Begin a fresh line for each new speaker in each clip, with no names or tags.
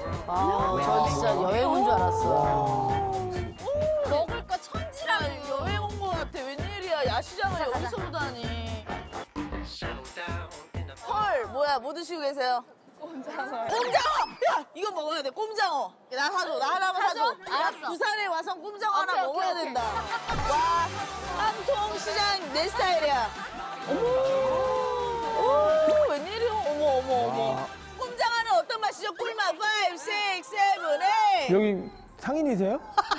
아, 저 진짜 여행 온 줄 알았어.
먹을 거 천지랑 여행 온 거 같아. 웬일이야. 야시장을 여기서 보다니. 헐, 뭐야, 뭐 드시고 계세요? 꼼장어. 야, 이거 먹어야 돼, 꼼장어. 나 사줘, 나 하나만 사줘.
알았어.
부산에 와서 꼼장어 하나
오케이,
먹어야
오케이.
된다. 와, 한통시장 내 스타일이야. 어머, 웬일이야? 어머. 꼼장어는 어떤 맛이죠? 꿀맛 5, 6, 7, 8.
여기 상인이세요?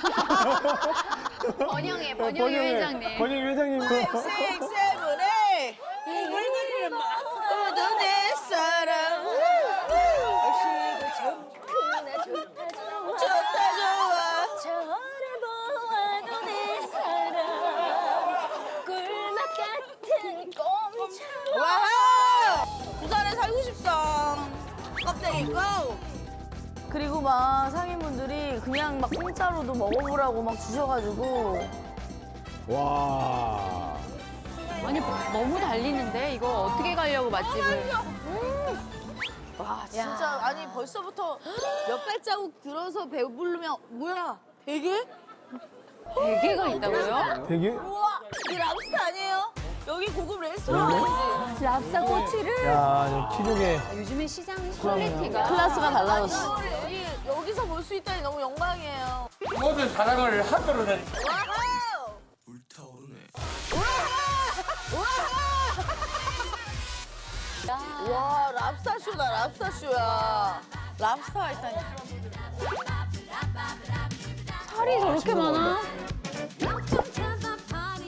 번영의 회장님.
번영 회장님.
5, 6, 7, 8. 모두 내 사랑. 좋다 좋아.
저를 보아도 내 사랑 꿀맛 같은 꼼짝.
와우! 부산에 살고 싶다. 껍데기 고!
그리고 막 상인분들이 그냥 막 공짜로도 먹어보라고 막 주셔가지고.
와.
아니 너무 달리는데 이거 어떻게 가려고 맛집을.
와, 진짜, 아니, 벌써부터 몇 발자국 들어서 배부르면, 뭐야, 되게?
대게가 있다고요?
되게?
우와, 이 랍스터 아니에요? 여기 고급 레스토랑 아니지?
랍스터 꼬치를.
야, 치즈게.
요즘에 시장 퀄리티가
클래스가 달라졌어.
여기서 볼 수 있다니 너무 영광이에요.
모든 사랑을 한도로 낸
와우! 와, 랍스타쇼다, 랍스타쇼야. 랍스타가 있다니.
살이 저렇게 많아?